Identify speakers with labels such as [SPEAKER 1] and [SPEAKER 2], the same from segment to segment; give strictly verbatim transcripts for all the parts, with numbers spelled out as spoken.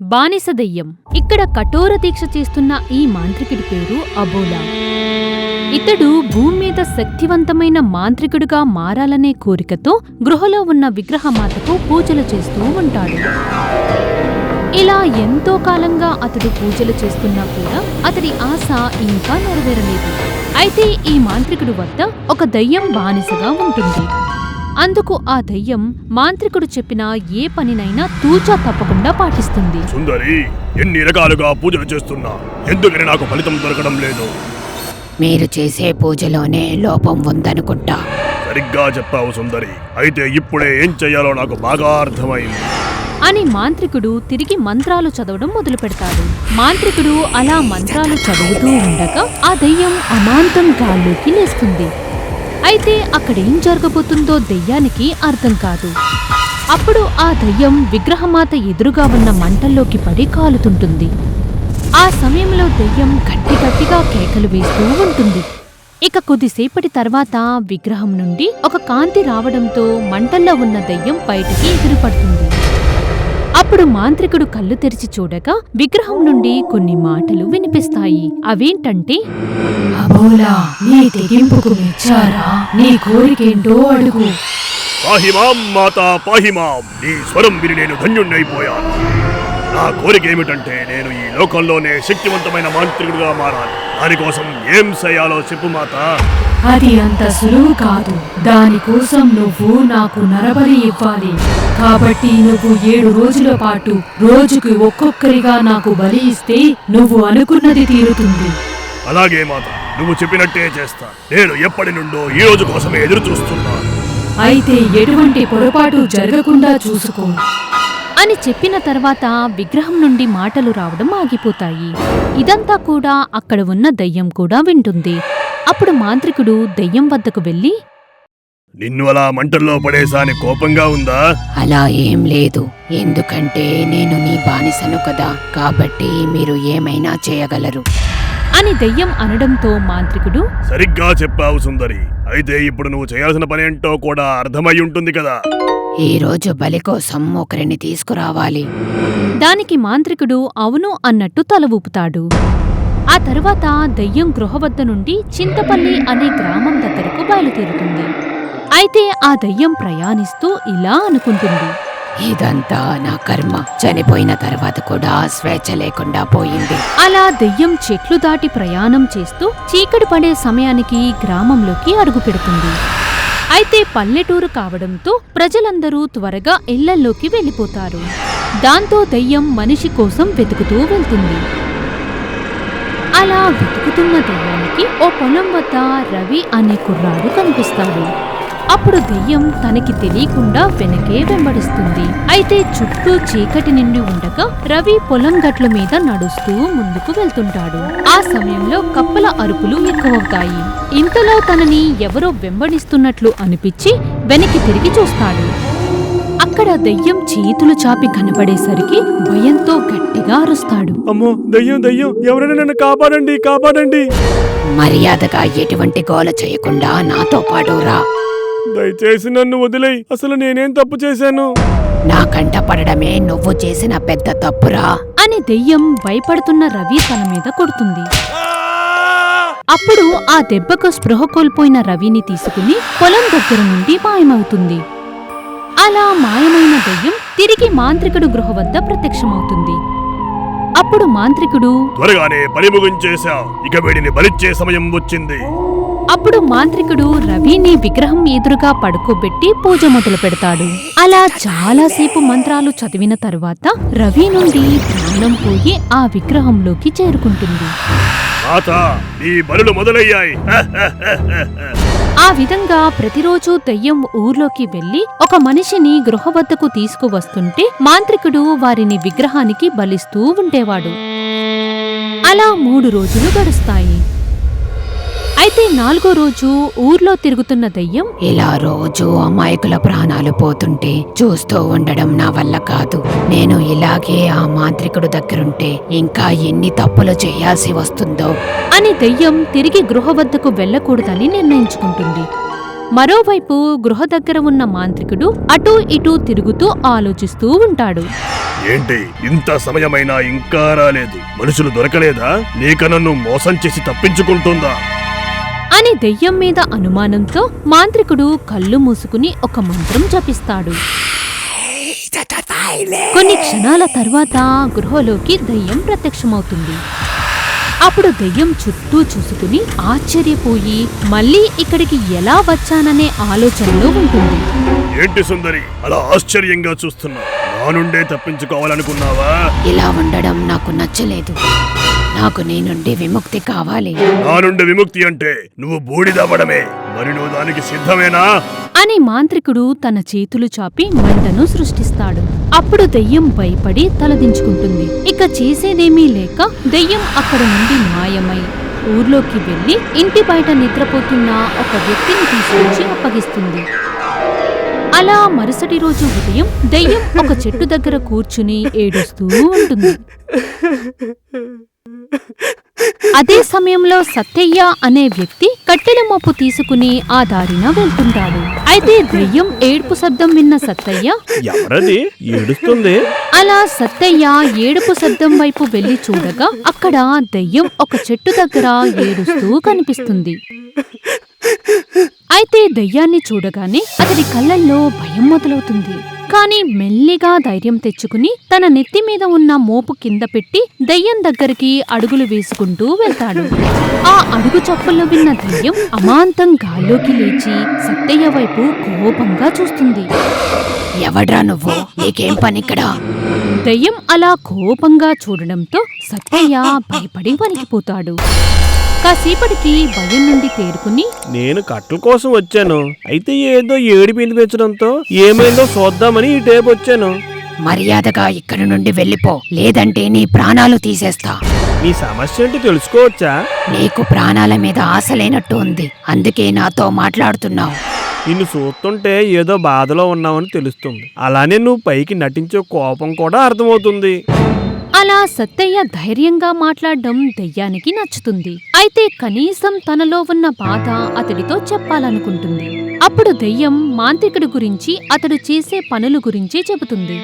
[SPEAKER 1] బానిస దెయ్యం. ఇక్కడ కఠోర దీక్ష చేస్తున్న ఈ మాంత్రికుడి పేరు అబోలా. ఇతడు భూమి మీద శక్తివంతమైన మాంత్రికుడిగా మారాలనే కోరికతో గృహలో ఉన్న విగ్రహమాతకు పూజలు చేస్తూ ఉంటాడు. ఇలా ఎంతో కాలంగా అతడు పూజలు చేస్తున్నా కూడా అతడి ఆశ ఇంకా నెరవేరలేదు. అయితే ఈ మాంత్రికుడి వద్ద ఒక దయ్యం బానిసగా ఉంటుంది. అందుకు ఆ దయ్యం మాంత్రికుడు చెప్పిన ఏ పనినైనా తూచా తప్పకుండా పాటిస్తుంది.
[SPEAKER 2] సుందరి, ఎన్ని రకాలుగా పూజలు చేస్తున్నా ఎందుకని నాకు ఫలితం దొరకడం లేదు?
[SPEAKER 3] మీరు చేసే పూజలోనే లోపం ఉందనుకుంటా.
[SPEAKER 2] సరిగ్గా చెప్పావు సుందరి. అయితే ఇప్పుడే ఏం చెయ్యాలో నాకు బాగా అర్థమైంది
[SPEAKER 1] అని మాంత్రికుడు తిరిగి మంత్రాలు చదవడం మొదలు పెడతాడు. మాంత్రికుడు అలా మంత్రాలు చదువుతూ ఉండగా ఆ దయ్యం అమాంతం గాల్లోకి లేస్తుంది. అయితే అక్కడేం జరగబోతుందో దెయ్యానికి అర్థం కాదు. అప్పుడు ఆ దయ్యం విగ్రహమాత ఎదురుగా ఉన్న మంటల్లోకి పడి కాలుతుంటుంది. ఆ సమయంలో దెయ్యం గట్టి గట్టిగా కేకలు వేస్తూ ఉంటుంది. ఇక కొద్దిసేపటి తర్వాత విగ్రహం నుండి ఒక కాంతి రావడంతో మంటల్లో ఉన్న దెయ్యం బయటికి ఎగిరిపడుతుంది. అప్పుడు మాంత్రికుడు కళ్ళు తెరిచి చూడగా విగ్రహం నుండి కొన్ని మాటలు వినిపిస్తాయి. అవేంటంటే,
[SPEAKER 4] అబోలా, నీ తెగింపుకు మెచ్చారా? నీ కోరికేంటో అడుగు.
[SPEAKER 2] పాహిమాం మాతా పాహిమాం. నీ స్వరం విని నేను ధన్యుణ్ణైపోయాను. నా కోరిక ఏమిటంటే నేను ఈ లోకంలోనే శక్తివంతమైన మాంత్రికుడిగా మారాలి. దానికోసం ఏం చేయాలో చెప్పు మాత.
[SPEAKER 4] అది అంత సులువు కాదు. దానికోసం నువ్వు నాకు నరబలి ఇవ్వాలి. కాబట్టి నువ్వు ఏడు రోజుల పాటు రోజుకు ఒక్కొక్కరిగా నాకు బలి ఇస్తే నువ్వు అనుకున్నది తీరుతుంది.
[SPEAKER 2] అలాగే మాత, నువ్వు చెప్పినట్టే చేస్తా. నేను ఎప్పటి నుండో ఈ రోజు కోసమే ఎదురు చూస్తున్నాను.
[SPEAKER 4] అయితే ఎటువంటి పొరపాటు జరగకుండా చూసుకో
[SPEAKER 1] అని చెప్పిన తర్వాత విగ్రహం నుండి మాటలు రావడం ఆగిపోతాయి. ఇదంతా కూడా అక్కడ ఉన్న దయ్యం కూడా వింటుంది. అప్పుడు మాంత్రికుడు దయ్యం వద్దకు వెళ్లి,
[SPEAKER 2] నిన్ను అలా మంటల్లో పడేసాని కోపంగా ఉందా?
[SPEAKER 3] అలా ఏం లేదు. ఎందుకంటే నేను నీ బానిసను కదా, కాబట్టి మీరు ఏమైనా చేయగలరు
[SPEAKER 1] అని దయ్యం అనడంతో మాంత్రికుడు,
[SPEAKER 2] సరిగ్గా చెప్పావు సుందరి. అయితే ఇప్పుడు నువ్వు చేయాల్సిన పనేంటో కూడా అర్థమై ఉంటుంది కదా.
[SPEAKER 3] ఈ రోజు బలి కోసం ఒకరిని తీసుకురావాలి.
[SPEAKER 1] దానికి మాంత్రికుడు అవును అన్నట్టు తల ఊపుతాడు. ఆ తరువాత దయ్యం గృహ వద్ద నుండి చింతపల్లి అనే గ్రామం దగ్గరకు బయలుదేరుతుంది. అయితే ఆ దయ్యం ప్రయాణిస్తూ ఇలా అనుకుంటుంది,
[SPEAKER 3] ఇదంతా నా కర్మ. చనిపోయిన తర్వాత కూడా స్వేచ్ఛ లేకుండా పోయింది.
[SPEAKER 1] అలా దెయ్యం చెట్లు దాటి ప్రయాణం చేస్తూ చీకటి పడే సమయానికి గ్రామంలోకి అడుగు పెడుతుంది. అయితే పల్లెటూరు కావడంతో ప్రజలందరూ త్వరగా ఇళ్లల్లోకి వెళ్ళిపోతారు. దాంతో దెయ్యం మనిషి కోసం వెతుకుతూ వెళ్తుంది. అలా వెతుకుతున్న దెయ్యానికి ఓ పొలం వద్ద రవి అనే కుర్రాడు కనిపిస్తాడు. అప్పుడు దెయ్యం తనకి తెలియకుండా వెనకే వెంబడిస్తుంది. అయితే చుట్టూ చీకటి నిండి ఉండగా రవి పొలం గట్ల మీద నడుస్తూ ముందుకు వెళ్తుంటాడు. ఆ సమయంలో కప్పల అరుపులు ఎక్కువవుతాయి. ఇంతలో తనని ఎవరో వెంబడిస్తున్నట్లు అనిపించి వెనక్కి తిరిగి చూస్తాడు. అక్కడ దెయ్యం చేతులు చాపి కనపడేసరికి భయంతో గట్టిగా అరుస్తాడు,
[SPEAKER 2] అమ్మో, దయ్యం దయ్యం, ఎవరైనా నన్ను కాపాడండి కాపాడండి.
[SPEAKER 3] మర్యాదగా ఎటువంటి గోల చేయకుండా నాతో పాటు రా.
[SPEAKER 2] దయచేసి నన్ను వదిలేయ్. అసలు నేనేం తప్పు చేశాను?
[SPEAKER 3] నా కంట పడడమే నువ్వు చేసిన పెద్ద తప్పురా
[SPEAKER 1] అని దెయ్యం భయపడుతున్న రవి తల మీద కొడుతుంది. అప్పుడు ఆ దెబ్బకు స్పృహ కోల్పోయిన రవిని తీసుకుని పొలం దగ్గర నుండి మాయమవుతుంది. అలా మాయమైన దెయ్యం తిరిగి మాంత్రికుడు గృహ వద్ద ప్రత్యక్షమవుతుంది. అప్పుడు మాంత్రికుడు,
[SPEAKER 2] త్వరగానే పని ముగించేశావు, ఇక వీడిని బలిచ్చే సమయం వచ్చింది.
[SPEAKER 1] అప్పుడు మాంత్రికుడు రవిని విగ్రహం ఎదురుగా పడుకోబెట్టి పూజ మొదలు పెడతాడు. అలా చాలాసేపు మంత్రాలు చదివిన తరువాత రవి నుండి ప్రాణం పోయి ఆ విగ్రహంలోకి చేరుకుంటుంది.
[SPEAKER 2] నీ బలులు మొదలయ్యాయి.
[SPEAKER 1] ఆ విధంగా ప్రతిరోజు దెయ్యం ఊర్లోకి వెళ్లి ఒక మనిషిని గృహ వద్దకు తీసుకువస్తుంటే మాంత్రికుడు వారిని విగ్రహానికి బలిస్తూ ఉండేవాడు. అలా మూడు రోజులు గడుస్తాయి. అయితే నాలుగో రోజు ఊర్లో తిరుగుతున్న దెయ్యం,
[SPEAKER 3] ఇలా రోజు అమాయకుల ప్రాణాలు పోతుంటే చూస్తూ ఉండడం నా వల్ల కాదు. నేను ఇలాగే ఆ మాంత్రికుడు దగ్గరుంటే ఇంకా ఎన్ని తప్పులు చేయాల్సి వస్తుందో
[SPEAKER 1] అని దెయ్యం తిరిగి గృహ వద్దకు వెళ్లకూడదని నిర్ణయించుకుంటుంది. మరోవైపు గృహ దగ్గర ఉన్న మాంత్రికుడు అటూ ఇటూ తిరుగుతూ ఆలోచిస్తూ ఉంటాడు.
[SPEAKER 2] ఏంటి ఇంత సమయమైనా ఇంకా రాలేదు? మనుషులు దొరకలేదా? లేక నన్ను మోసం చేసి తప్పించుకుంటుందా
[SPEAKER 1] అని దెయ్యం మీద అనుమానంతో మాంత్రికుడు కళ్ళు మూసుకుని ఒక మంత్రం జపిస్తాడు. కొన్ని క్షణాల తర్వాత గృహలోకి దెయ్యం ప్రత్యక్షమవుతుంది. అప్పుడు దెయ్యం చుట్టూ చూసుకుని ఆశ్చర్యపోయి మళ్ళీ ఇక్కడికి ఎలా వచ్చాననే ఆలోచనలో ఉంటుంది.
[SPEAKER 2] ఏంటి సుందరి అలా ఆశ్చర్యంగా చూస్తున్నా? నా నుండే తప్పించుకోవాలనుకున్నావా?
[SPEAKER 3] ఇలా ఉండడం నాకు నచ్చలేదు. నాకు నీ నుండి విముక్తి కావాలి.
[SPEAKER 2] నా నుండి విముక్తి అంటే నువ్వు బూడిదవ్వడమే. మరి నువ్వు దానికి సిద్ధమేనా
[SPEAKER 1] అని మాంత్రికుడు తన చేతులు చాపి మంటను సృష్టిస్తాడు. అప్పుడు దెయ్యం భయపడి తలదించుకుంటుంది. ఇక చేసేదేమీ లేక దెయ్యం అక్కడ నుండి మాయమై ఊర్లోకి వెళ్లి ఇంటి బయట నిద్రపోతున్న ఒక వ్యక్తిని తీసుకొచ్చి అప్పగిస్తుంది. అలా మరుసటి రోజు ఉదయం దెయ్యం ఒక చెట్టు దగ్గర కూర్చుని ఏడుస్తూ ఉంటుంది. అదే సమయంలో సత్తయ్య అనే వ్యక్తి కట్టెల మోపు తీసుకుని ఆ దారిన వెళ్తుంటాడు. అయితే దెయ్యం ఏడుపు శబ్దం విన్న సత్తయ్య
[SPEAKER 2] ఎవరది ఏడుస్తుంది?
[SPEAKER 1] అలా సత్తయ్య ఏడుపు శబ్దం వైపు వెళ్లి చూడగా అక్కడ దెయ్యం ఒక చెట్టు దగ్గర ఏడుస్తూ కనిపిస్తుంది. అయితే దెయ్యాన్ని చూడగానే అతడి కళ్ళల్లో భయం మొదలవుతుంది. కాని మెల్లిగా ధైర్యం తెచ్చుకుని తన నెత్తి మీద ఉన్న మోపు కింద పెట్టి దెయ్యం దగ్గరికి అడుగులు వేసుకుంటూ వెళ్తాడు. ఆ అడుగు చప్పుళ్ళు విన్న దెయ్యం అమాంతం గాల్లోకి లేచి సత్తయ్య వైపు కోపంగా చూస్తుంది.
[SPEAKER 3] ఎవడ్రా నువ్వు? నీకేం పనిక్కడా?
[SPEAKER 1] దెయ్యం అలా కోపంగా చూడడంతో సత్తయ్య భయపడి వణికిపోతాడు. కాసేపటికి భయం నుండి తేరుకుని
[SPEAKER 5] నేను కట్టల కోసం వచ్చాను. అయితే ఏదో ఏడి వినిపించడంతో ఏమైందో చూద్దామని ఈ టేపు వచ్చాను.
[SPEAKER 3] మర్యాదగా ఇక్కడి నుండి వెళ్ళిపో, లేదంటే నీ ప్రాణాలు తీసేస్తా.
[SPEAKER 5] నీ సమస్య ఏంటి తెలుసుకోవచ్చా?
[SPEAKER 3] నీకు ప్రాణాల మీద ఆశ లేనట్టు ఉంది, అందుకే నాతో మాట్లాడుతున్నావు.
[SPEAKER 5] నిన్ను చూస్తుంటే ఏదో బాధలో ఉన్నావని తెలుస్తుంది. అలానే నువ్వు పైకి నటించే కోపం కూడా అర్థమవుతుంది.
[SPEAKER 1] అలా సత్తయ్య ధైర్యంగా మాట్లాడడం దెయ్యానికి నచ్చుతుంది. అయితే కనీసం తనలో ఉన్న బాధ అతడితో చెప్పాలనుకుంటుంది. అప్పుడు దెయ్యం మాంత్రికుడి గురించి, అతడు చేసే పనుల గురించి చెబుతుంది.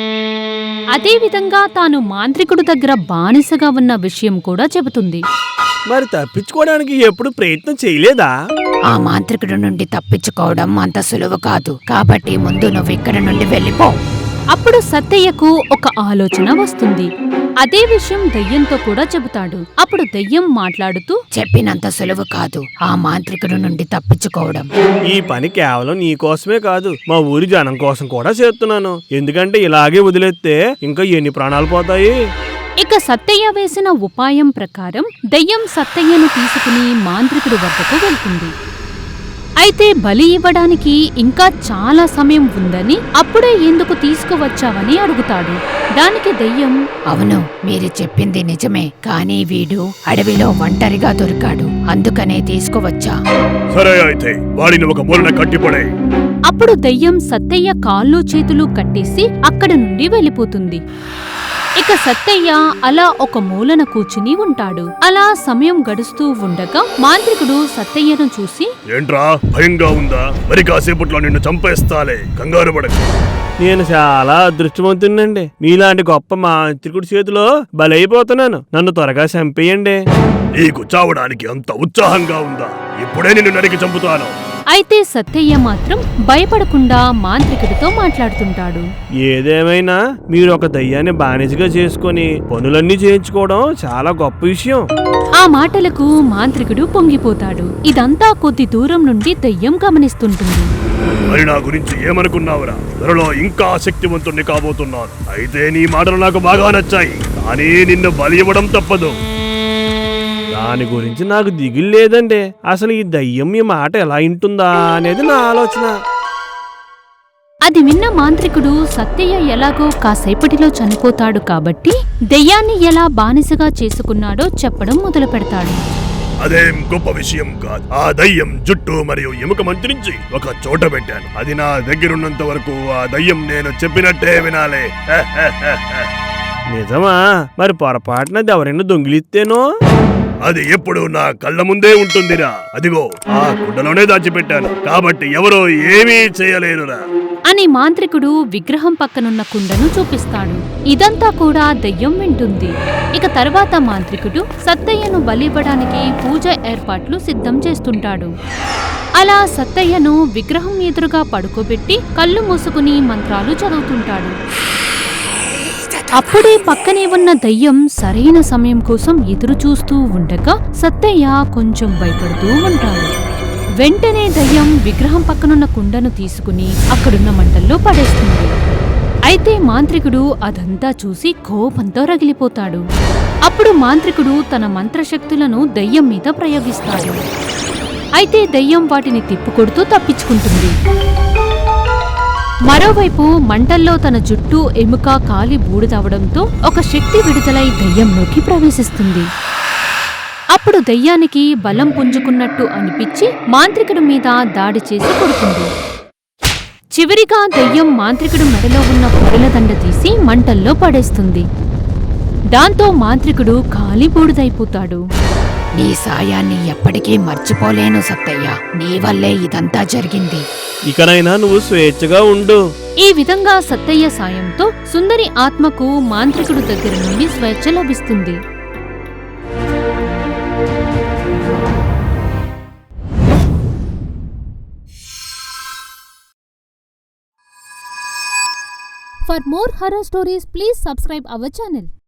[SPEAKER 1] అదేవిధంగా తాను మాంత్రికుడు దగ్గర బానిసగా ఉన్న విషయం కూడా చెబుతుంది.
[SPEAKER 5] మరి తప్పించుకోవడానికి ఎప్పుడు ప్రయత్నం చేయలేదా?
[SPEAKER 3] ఆ మాంత్రికుడి నుండి తప్పించుకోవడం అంత సులువు కాదు, కాబట్టి ముందు నువ్వు ఇక్కడి నుండి వెళ్ళిపో.
[SPEAKER 1] అప్పుడు సత్తయ్యకు ఒక ఆలోచన వస్తుంది. అదే విషయం దెయ్యంతో కూడా చెబుతాడు. అప్పుడు దెయ్యం మాట్లాడుతూ,
[SPEAKER 3] చెప్పినంత సులువు కాదు ఆ మాంత్రికుడి నుండి తప్పించుకోవడం.
[SPEAKER 5] ఈ పని కేవలం నీ కోసమే కాదు, మా ఊరి జనం కోసం కూడా చేస్తున్నాను. ఎందుకంటే ఇలాగే వదిలేస్తే ఇంకా ఎన్ని ప్రాణాలు పోతాయి.
[SPEAKER 1] ఇక సత్తయ్య వేసిన ఉపాయం ప్రకారం దెయ్యం సత్తయ్యను తీసుకుని మాంత్రికుడి వద్దకు వెళ్తుంది. అయితే బలి ఇవ్వడానికి ఇంకా చాలా సమయం ఉందని, అప్పుడే ఎందుకు తీసుకువచ్చావని అడుగుతాడు. దానికి దెయ్యం,
[SPEAKER 3] అవును, మీరు చెప్పింది నిజమే, కానీ వీడు అడవిలో ఒంటరిగా దొరికాడు, అందుకనే తీసుకువచ్చా.
[SPEAKER 2] సరే అయితే వాడిని ఒక మూలన కట్టిపడే.
[SPEAKER 1] అప్పుడు దెయ్యం సత్తయ్య కాళ్ళు చేతులు కట్టేసి అక్కడి నుండి వెళ్ళిపోతుంది. ఇక సత్తయ్య అలా ఒక మూలన కూర్చుని ఉంటాడు. అలా సమయం గడుస్తూ ఉండగా మాంత్రికుడు సత్తయ్యను చూసి,
[SPEAKER 2] ఏంట్రా భయంగా ఉందా? మరి కాసేపట్లో నిన్ను చంపేస్తాలే, కంగారు పడకు.
[SPEAKER 5] నేను చాలా అదృష్టవంతునండి. మీలాంటి గొప్ప మాంత్రికుడి చేతిలో బలైపోతున్నాను. నన్ను త్వరగా చంపేయండి.
[SPEAKER 2] నీకు చావడానికి అంత ఉత్సాహంగా ఉందా? ఇప్పుడే నిన్ను నరికి చంపుతాను.
[SPEAKER 1] అయితే సత్తయ్య మాత్రం భయపడకుండా మాంత్రికుడితో మాట్లాడుతుంటాడు.
[SPEAKER 5] ఏదేమైనా మీరు ఒక దయ్యాన్ని బానిసగా చేసుకుని పనులన్నీ చేయించుకోవడం చాలా గొప్ప విషయం.
[SPEAKER 1] ఆ మాటలకు మాంత్రికుడు పొంగిపోతాడు. ఇదంతా కొద్ది దూరం నుండి దయ్యం గమనిస్తుంటుంది.
[SPEAKER 2] మరి నా గురించి ఏమనుకున్నావురా? త్వరలో ఇంకా శక్తివంతుణ్ణి కాబోతున్నాను. అయితే నీ మాటలు నాకు బాగా నచ్చాయి, కానీ నిన్ను బలి ఇవ్వడం తప్పదు.
[SPEAKER 5] దాని గురించి నాకు దిగులు లేదండి. అసలు ఈ దయ్యం ఈ మాట ఎలా వింటుందా అనేది నా ఆలోచన.
[SPEAKER 1] అది విన్న మాంత్రికుడు సత్తయ్య ఎలాగో కాసేపటిలో చనిపోతాడు కాబట్టి దెయ్యాన్ని ఎలా బానిసగా చేసుకున్నాడో చెప్పడం మొదలు పెడతాడు.
[SPEAKER 2] అదేం గొప్ప విషయం కాదు. ఆ దయ్యం జుట్టు మరియు ఎముక మంత్రించి ఒక చోట పెట్టాను. అది నా దగ్గరున్నంత వరకు ఆ దయ్యం నేను చెప్పినట్టే వినాలే.
[SPEAKER 5] నిజమా? మరి పొరపాటున ఎవరైనా దొంగిలిస్తేనో?
[SPEAKER 2] అది ఎప్పుడు నా కళ్ళ ముందే ఉంటుందిరా. అదిగో ఆ కుండలోనే దాచిపెట్టాను, కాబట్టి ఎవరో ఏమీ చేయలేరురా
[SPEAKER 1] అని మాంత్రికుడు విగ్రహం పక్కనున్న కుండను చూపిస్తాడు. ఇదంతా కూడా దెయ్యం వింటుంది. ఇక తర్వాత మాంత్రికుడు సత్తయ్యను బలివ్వడానికి పూజ ఏర్పాట్లు సిద్ధం చేస్తుంటాడు. అలా సత్తయ్యను విగ్రహం ఎదురుగా పడుకోబెట్టి కళ్ళు మూసుకుని మంత్రాలు చదువుతుంటాడు. అప్పుడే పక్కనే ఉన్న దయ్యం సరైన సమయం కోసం ఎదురు చూస్తూ ఉండగా సత్తయ్య కొంచెం భయపడుతూ ఉంటాడు. వెంటనే దయ్యం విగ్రహం పక్కనున్న కుండను తీసుకుని అక్కడున్న మంటల్లో పడేస్తుంది. అయితే మాంత్రికుడు అదంతా చూసి కోపంతో రగిలిపోతాడు. అప్పుడు మాంత్రికుడు తన మంత్రశక్తులను దయ్యం మీద ప్రయోగిస్తాడు. అయితే దయ్యం వాటిని తిప్పుకొడుతూ తప్పించుకుంటుంది. మరోవైపు మంటల్లో తన జుట్టు ఎముక కాలి బూడిదవడంతో ఒక శక్తి విడుదలై దయ్యంలోకి ప్రవేశిస్తుంది. అప్పుడు దయ్యానికి బలం పుంజుకున్నట్టు అనిపించి మాంత్రికుడి మీద దాడి చేసి కొడుతుంది. చివరిగా దయ్యం మాంత్రికుడు మెడలో ఉన్న పొరల దండ తీసి మంటల్లో పడేస్తుంది. దాంతో మాంత్రికుడు కాలి బూడిదైపోతాడు.
[SPEAKER 3] నీ సాయాన్ని ఎప్పటికీ మర్చిపోలేను సత్తయ్య. నీ వల్లే ఇదంతా జరిగింది.
[SPEAKER 5] ఇకనైనా నువ్వు స్వేచ్ఛగా ఉండు.
[SPEAKER 1] ఈ విధంగా సత్తయ్య సాయంతో సుందరి ఆత్మకు మాంత్రికుడు దగ్గర నుండి స్వేచ్ఛ లభిస్తుంది. For more horror stories, please subscribe our channel.